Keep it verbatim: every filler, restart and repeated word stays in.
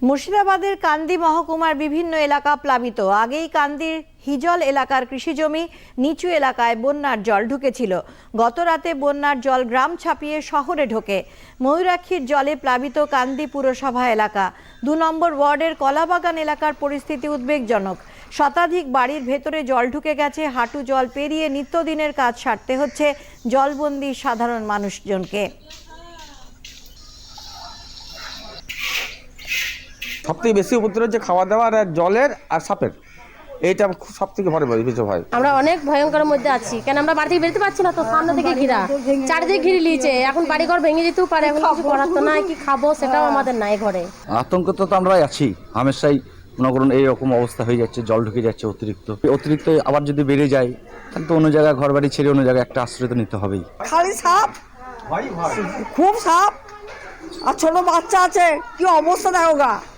মুর্শিদাবাদের কান্দি মহকুমার বিভিন্ন এলাকা প্লাবিত। আগেই কান্দির হিজল এলাকার কৃষিজমি নিচু এলাকায় বন্যার জল ঢুকেছিল। গত রাতে বন্যার জল গ্রাম ছাপিয়ে শহরে ঢোকে। ময়ূরাক্ষীর জলে প্লাবিত কান্দি পুরসভা এলাকা। দু নম্বর ওয়ার্ডের কলাবাগান এলাকার পরিস্থিতি উদ্বেগজনক। শতাধিক বাড়ির ভেতরে জল ঢুকে গেছে। হাঁটু জল পেরিয়ে নিত্যদিনের কাজ সারতে হচ্ছে জলবন্দী সাধারণ মানুষজনকে। সবথেকে বেশি উপদ্রব যে খাওয়া দাওয়ার আর জলের আর সাপের, এইটা সব থেকে ভয় বেশি ভয়। আমরা অনেক ভয়ঙ্করের মধ্যে আছি, কেন আমরা বাড়ি থেকে বেরোতে পারছি না, তো সামনে থেকে ঘিরা, চারিদিকে ঘিরে নিয়েছে। এখন বাড়িঘর ভেঙে যেতেও পারে, এখন কিছু করার তো নাই, কি খাবো সেটাও আমাদের নাই ঘরে। আতঙ্ক তো আমরাই আছি হামেশাই। মনে করুন এইরকম অবস্থা হয়ে যাচ্ছে, জল ঢুকে যাচ্ছে অতিরিক্ত অতিরিক্ত আবার যদি বেড়ে যায় তাহলে তো অন্য জায়গায় ঘর বাড়ি ছেড়ে অন্য জায়গায় একটা আশ্রয় তো নিতে হবেই। খালি সাপ, খুব সাপ, আর ছোট বাচ্চা আছে, কি অবস্থা দেখো গা।